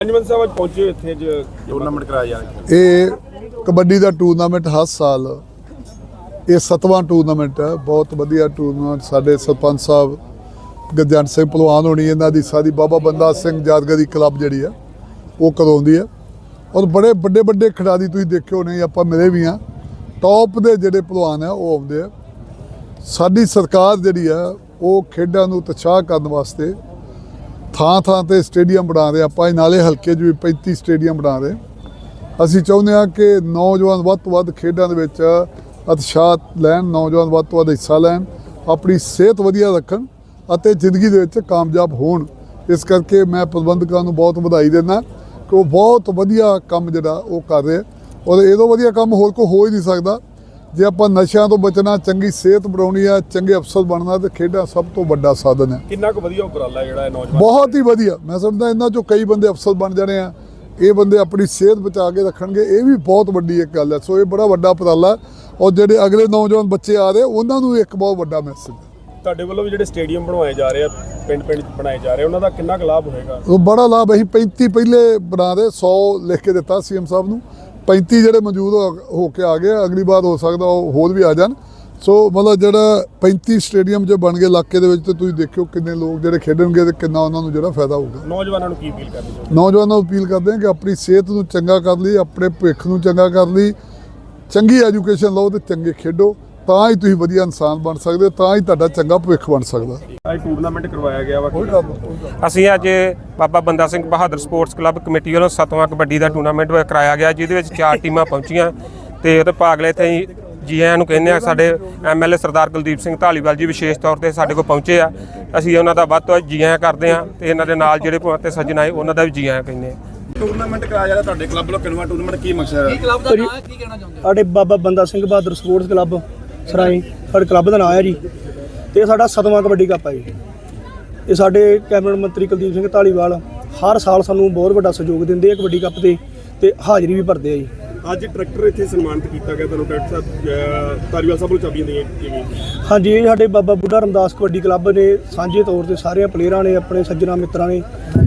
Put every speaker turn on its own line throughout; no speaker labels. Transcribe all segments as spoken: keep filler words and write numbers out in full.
पंजवन साहब आज पहुंचे इत्थे जो टूर्नामेंट कराया जा रहा
ये कबड्डी का टूरनामेंट हर साल ये सतवां टूरनामेंट है। बहुत वधिया टूरनामेंट साडे सरपंच साहब गजंट सिंह पहलवान होनी इन्हां दी सारी बाबा बंदा सिंह यादगारी क्लब जिहड़ी है वो करवाउंदी है और बड़े बड़े बड़े खिडारी तुसीं देखे होने आपां मिले भी हाँ। टॉप दे जिहड़े पहलवान है वो आउंदे आ। साडी सरकार जिहड़ी है वो खेडां नूं उत्साह करन वास्ते ਥਾਂ ਥਾਂ ਤੇ ਸਟੇਡੀਅਮ ਬਣਾ ਰਹੇ ਆਪਾਂ ਨਾਲੇ ਹਲਕੇ 'ਚ ਵੀ पैंतीस ਸਟੇਡੀਅਮ ਬਣਾ ਰਹੇ। ਅਸੀਂ ਚਾਹੁੰਦੇ ਹਾਂ ਕਿ ਨੌਜਵਾਨ ਵੱਧ ਤੋਂ ਵੱਧ ਖੇਡਾਂ ਦੇ ਵਿੱਚ ਉਤਸ਼ਾਹ ਲੈਣ, ਨੌਜਵਾਨ ਵੱਧ ਤੋਂ ਵੱਧ ਹਿੱਸਾ ਲੈਣ, ਆਪਣੀ ਸਿਹਤ ਵਧੀਆ ਰੱਖਣ ਅਤੇ ਜ਼ਿੰਦਗੀ ਦੇ ਵਿੱਚ ਕਾਮਯਾਬ ਹੋਣ। ਇਸ ਕਰਕੇ ਮੈਂ ਪ੍ਰਬੰਧਕਾਂ ਨੂੰ ਬਹੁਤ ਵਧਾਈ ਦਿੰਦਾ ਕਿ ਉਹ ਬਹੁਤ ਵਧੀਆ ਕੰਮ ਜਿਹੜਾ ਉਹ ਕਰ ਰਹੇ ਔਰ ਇਹਦੋਂ ਵਧੀਆ ਕੰਮ ਹੋਰ ਕੋਈ ਹੋ ਹੀ ਨਹੀਂ ਸਕਦਾ। ਜੇ ਆਪਾਂ ਨਸ਼ਿਆਂ ਤੋਂ ਬਚਣਾ, ਚੰਗੀ ਸਿਹਤ ਬਣਾਉਣੀ ਆ, ਚੰਗੇ ਅਫਸਰ ਬਣਨਾ ਤੇ ਖੇਡਾਂ ਸਭ ਤੋਂ ਵੱਡਾ ਸਾਧਨ ਹੈ।
ਕਿੰਨਾ ਕੁ ਵਧੀਆ ਉਪਰਾਲਾ ਜਿਹੜਾ ਹੈ ਨੌਜਵਾਨ
ਬਹੁਤ ਹੀ ਵਧੀਆ। ਮੈਂ ਸਮਝਦਾ ਇਹਨਾਂ ਚੋਂ ਕਈ ਬੰਦੇ ਅਫਸਰ ਬਣ ਜਾਣੇ ਆ। ਇਹ ਬੰਦੇ ਆਪਣੀ ਸਿਹਤ ਬਚਾ ਕੇ ਰੱਖਣਗੇ, ਇਹ ਵੀ ਬਹੁਤ ਵੱਡੀ ਇੱਕ ਗੱਲ ਹੈ। ਸੋ ਇਹ ਬੜਾ ਵੱਡਾ ਉਪਰਾਲਾ ਔਰ ਜਿਹੜੇ ਅਗਲੇ ਨੌਜਵਾਨ ਬੱਚੇ ਆ ਰਹੇ ਉਹਨਾਂ ਨੂੰ ਇੱਕ ਬਹੁਤ ਵੱਡਾ ਮੈਸੇਜ ਹੈ।
ਤੁਹਾਡੇ ਵੱਲੋਂ ਵੀ ਜਿਹੜੇ ਸਟੇਡੀਅਮ ਬਣਵਾਏ ਜਾ ਰਹੇ ਆ, ਪਿੰਡ ਪਿੰਡ ਬਣਾਏ ਜਾ ਰਹੇ, ਉਹਨਾਂ ਦਾ ਕਿੰਨਾ ਕੁ ਲਾਭ ਹੋਏਗਾ?
ਉਹ ਬੜਾ ਲਾਭ। ਅਸੀਂ ਪੈਂਤੀ ਪਹਿਲੇ ਬਣਾ ਦੇ ਸੌ ਲਿਖ ਕੇ ਦਿੱਤਾ ਸੀਐਮ ਸਾਹਿਬ ਨੂੰ। पैंती ਜਿਹੜੇ ਮੌਜੂਦ ਹੋ ਕੇ ਆ ਗਏ, ਅਗਲੀ ਵਾਰ ਹੋ ਸਕਦਾ ਉਹ ਹੋਰ ਵੀ ਆ ਜਾਣ। ਸੋ ਮਤਲਬ ਜਿਹੜਾ पैंतीस ਸਟੇਡੀਅਮ ਜੋ ਬਣ ਗਏ ਇਲਾਕੇ ਦੇ ਵਿੱਚ ਤੇ ਤੁਸੀਂ ਦੇਖਿਓ ਕਿੰਨੇ ਲੋਕ ਜਿਹੜੇ ਖੇਡਣਗੇ ਤੇ ਕਿੰਨਾ ਉਹਨਾਂ ਨੂੰ ਜਿਹੜਾ ਫਾਇਦਾ ਹੋਊਗਾ।
ਨੌਜਵਾਨਾਂ ਨੂੰ ਕੀ ਅਪੀਲ ਕਰਨੀ ਚਾਹੁੰਦੇ?
ਨੌਜਵਾਨਾਂ ਨੂੰ ਅਪੀਲ ਕਰਦੇ ਹਾਂ ਕਿ ਆਪਣੀ ਸਿਹਤ ਨੂੰ ਚੰਗਾ ਕਰ ਲਈ, ਆਪਣੇ ਭਵਿੱਖ ਨੂੰ ਚੰਗਾ ਕਰ ਲਈ, ਚੰਗੀ ਐਜੂਕੇਸ਼ਨ ਲਓ ਤੇ ਚੰਗੇ ਖੇਡੋ, ਤਾਂ ਹੀ ਤੁਸੀਂ ਵਧੀਆ ਇਨਸਾਨ ਬਣ ਸਕਦੇ ਹੋ, ਤਾਂ ਹੀ ਤੁਹਾਡਾ ਚੰਗਾ ਭਵਿੱਖ ਬਣ ਸਕਦਾ।
ਅੱਜ ਟੂਰਨਾਮੈਂਟ ਕਰਵਾਇਆ ਗਿਆ ਵਾ।
ਅਸੀਂ ਅੱਜ Baba Banda Singh Bahadur sports club committee ਵੱਲੋਂ ਸੱਤਵਾਂ ਕਬੱਡੀ ਦਾ ਟੂਰਨਾਮੈਂਟ ਕਰਾਇਆ ਗਿਆ, ਜਿਹਦੇ ਵਿੱਚ ਚਾਰ ਟੀਮਾਂ ਪਹੁੰਚੀਆਂ ਤੇ ਉਹਦੇ ਭਾਗ ਲਏ। ਤੇ ਜੀ ਆਇਆਂ ਨੂੰ ਕਹਿੰਦੇ ਆ। ਸਾਡੇ M L A Sardar Kuldeep Singh Dhaliwal ji ਵਿਸ਼ੇਸ਼ ਤੌਰ ਤੇ ਸਾਡੇ ਕੋਲ ਪਹੁੰਚੇ ਆ। ਅਸੀਂ ਉਹਨਾਂ ਦਾ ਵੱਧ ਤੋਂ ਵੱਧ ਜੀ ਆਇਆਂ ਕਰਦੇ ਹਾਂ ਤੇ ਇਹਨਾਂ ਦੇ ਨਾਲ ਜਿਹੜੇ ਤੇ ਸੱਜਣ ਆਏ ਉਹਨਾਂ ਦਾ ਵੀ ਜੀ ਆਇਆਂ ਕਹਿੰਦੇ ਆ।
ਟੂਰਨਾਮੈਂਟ ਕਰਾਇਆ ਜਾ ਰਿਹਾ ਤੁਹਾਡੇ ਕਲੱਬ ਵੱਲੋਂ, ਕਿੰਨਵਾਂ ਟੂਰਨਾਮੈਂਟ, ਕੀ ਮਕਸਦ ਹੈ?
ਕਲੱਬ ਦਾ ਨਾਮ ਕੀ ਕਹਿਣਾ ਚਾਹੁੰਦੇ? ਸਾਡੇ ਬਾਬਾ ਬੰਦਾ ਸਿੰਘ ਬਹਾਦਰ ਸਪੋਰਟਸ ਕਲੱਬ ਸਰਾਏ ਸਾਡੇ ਕਲੱਬ ਦਾ ਨਾਮ ਹੈ ਜੀ। ਤੇ ਸਾਡਾ ਸਤਵਾਂ ਕਬੱਡੀ ਕੱਪ ਹੈ ਜੀ। ਇਹ ਸਾਡੇ ਕੈਬਨਿਟ ਮੰਤਰੀ ਕੁਲਦੀਪ ਸਿੰਘ ਢਾਲੀਵਾਲ ਹਰ ਸਾਲ ਸਾਨੂੰ ਬਹੁਤ ਵੱਡਾ ਸਹਿਯੋਗ ਦਿੰਦੇ ਆ ਕਬੱਡੀ ਕੱਪ ਦੇ ਤੇ ਹਾਜ਼ਰੀ ਵੀ ਭਰਦੇ ਆ ਜੀ।
ਅੱਜ ਟਰੈਕਟਰ ਇੱਥੇ ਸਨਮਾਨਿਤ ਕੀਤਾ ਗਿਆ ਤੁਹਾਨੂੰ, ਡਾਕਟਰ ਸਾਹਿਬ ਧਾਲੀਵਾਲ ਸਾਹਿਬ ਵੱਲੋਂ ਚਾਬੀਆਂ ਦੇਈਆਂ ਗਈਆਂ। ਹਾਂਜੀ,
ਇਹ ਸਾਡੇ ਬਾਬਾ ਬੁੱਢਾ ਰਮਦਾਸ ਕਬੱਡੀ ਕਲੱਬ ਨੇ ਸਾਂਝੇ ਤੌਰ ਤੇ ਸਾਰਿਆਂ ਪਲੇਅਰਾਂ ਨੇ, ਆਪਣੇ ਸੱਜਣਾ ਮਿੱਤਰਾਂ ਨੇ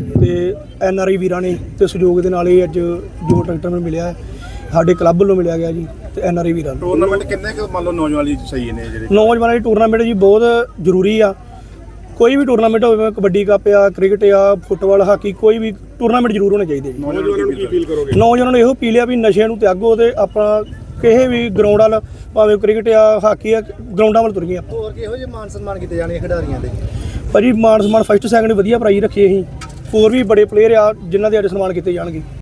ਤੇ ਐਨ ਆਰ ਆਈ ਵੀਰਾਂ ਨੇ ਤੇ ਸਹਿਯੋਗ ਦੇ ਨਾਲ ਇਹ ਅੱਜ ਜੋ ਟਰੈਕਟਰ ਮੈਨੂੰ ਮਿਲਿਆ ਹੈ ਸਾਡੇ ਕਲੱਬ ਵੱਲੋਂ ਮਿਲਿਆ ਗਿਆ ਜੀ ਤੇ ਐਨ ਆਰ ਆਈ ਵੀਰਾਂ ਨੂੰ।
ਟੂਰਨਾਮੈਂਟ ਕਿੰਨੇ ਕੁ ਮੰਨ ਲਓ ਨੌਜਵਾਨ ਲਈ ਸਹੀ ਨੇ ਜਿਹੜੇ
ਨੌਜਵਾਨਾਂ ਦੀ ਟੂਰਨਾਮੈਂਟ ਜੀ ਬਹੁਤ ਜ਼ਰੂਰੀ ਆ। ਕੋਈ ਵੀ ਟੂਰਨਾਮੈਂਟ ਹੋਵੇ, ਕਬੱਡੀ ਕੱਪ ਆ, ਕ੍ਰਿਕਟ ਆ, ਫੁੱਟਬਾਲ, ਹਾਕੀ, ਕੋਈ ਵੀ ਟੂਰਨਾਮੈਂਟ ਜ਼ਰੂਰ ਹੋਣੇ ਚਾਹੀਦੇ ਜੀ।
ਨੌਜਵਾਨਾਂ ਨੂੰ ਕੀ ਅਪੀਲ ਕਰੋਗੇ?
ਨੌਜਵਾਨਾਂ ਨੂੰ ਇਹੋ ਅਪੀਲ ਆ ਵੀ ਨਸ਼ਿਆਂ ਨੂੰ ਤਿਆਗੋ ਤੇ ਆਪਣਾ ਕਿਸੇ ਵੀ ਗਰਾਊਂਡ ਵੱਲ, ਭਾਵੇਂ ਕ੍ਰਿਕਟ ਆ, ਹਾਕੀ ਆ, ਗਰਾਊਂਡਾਂ ਵੱਲ ਤੁਰੀਏ ਆਪਾਂ।
ਹੋਰ ਕਿਹੋ ਜਿਹੇ ਮਾਨ ਸਨਮਾਨ ਕੀਤੇ ਜਾਣੇ ਖਿਡਾਰੀਆਂ ਦੇ?
ਭਾਜੀ ਮਾਨ ਸਨਮਾਨ ਫਸਟ ਸੈਕਿੰਡ ਵਧੀਆ ਪ੍ਰਾਈਜ਼ ਰੱਖੇ ਅਸੀਂ। ਹੋਰ ਵੀ ਬੜੇ ਪਲੇਅਰ ਆ ਜਿਨ੍ਹਾਂ ਦੇ ਅੱਜ ਸਨਮਾਨ ਕੀਤੇ ਜਾਣਗੇ।